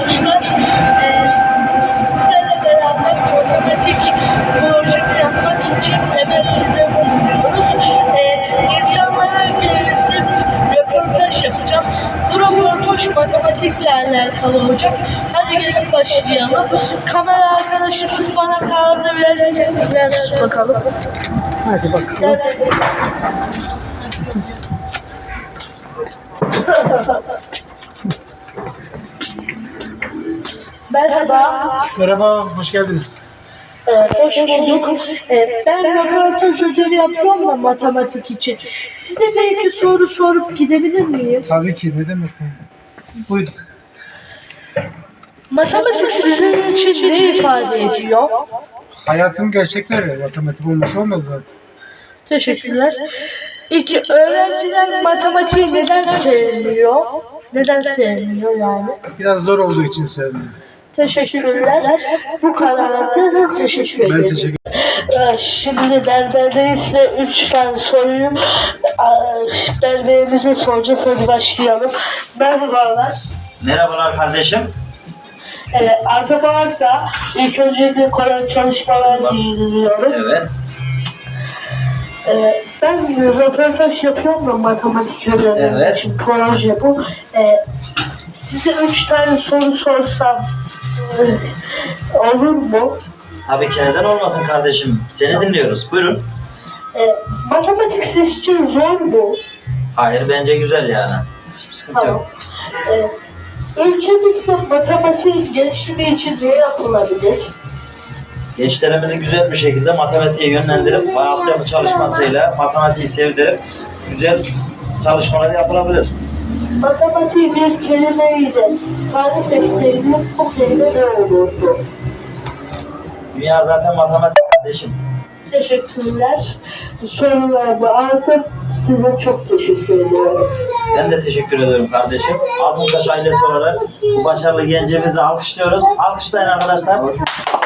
arkadaşlar. Sizlerle beraber matematik projesi yapmak için temelinde bulunuyoruz. İnsanlara gelirse röportaj yapacağım. Bu röportaj matematikle alakalı olacak. Hadi gelin başlayalım. Kamera arkadaşımız bana kağıdı versin. Ver bakalım. Hadi bakalım. Merhaba. Merhaba, hoş geldiniz. Hoş bulduk. Ben röportaj ödevi yapıyorum da matematik için. Size bir iki soru sorup gidebilir miyim? Tabii ki, ne demek? Buyurun. Matematik sizin için ne ifade ediyor? Hayatın gerçekleri, matematik olmasa olmaz zaten. Teşekkürler. İki, öğrenciler matematiği neden sevmiyor? Neden sevmiyor yani? Biraz zor olduğu için sevmiyorum. Teşekkürler. Bu kadardı. Teşekkür ederim. Ben teşekkür Şimdi berberdeyiz ve 3 tane soruyu berberimize soracağız. Hadi başlayalım. Merhabalar. Merhabalar kardeşim. Arkadaşlar ilk öncelikle kolay çalışmalar diliyorum. Evet. Ben röportaj yapıyorum da matematik ödevi Evet. için proje bu. Size 3 tane soru sorsam olur mu? Tabii ki neden olmasın kardeşim. Seni dinliyoruz. Buyurun. Matematik sizin için zor mu? Hayır bence güzel yani. Hiçbir sıkıntı Tamam. yok. Ülkemizde matematik gelişimi için ne yapılabilir? Gençlerimizi güzel bir şekilde matematiğe yönlendirip altyapı çalışmasıyla matematiği sevdirip güzel çalışmalar yapılabilir. Matematiği bir kelimeyle tarif etseydi bu kelime ne olurdu? Dünya zaten matematik kardeşim. Teşekkürler. Sorularımı aldım. Size çok teşekkür ediyorum. Ben de teşekkür ederim kardeşim. Altıntaş ailesi olarak bu başarılı gencimizi alkışlıyoruz. Alkışlayın arkadaşlar.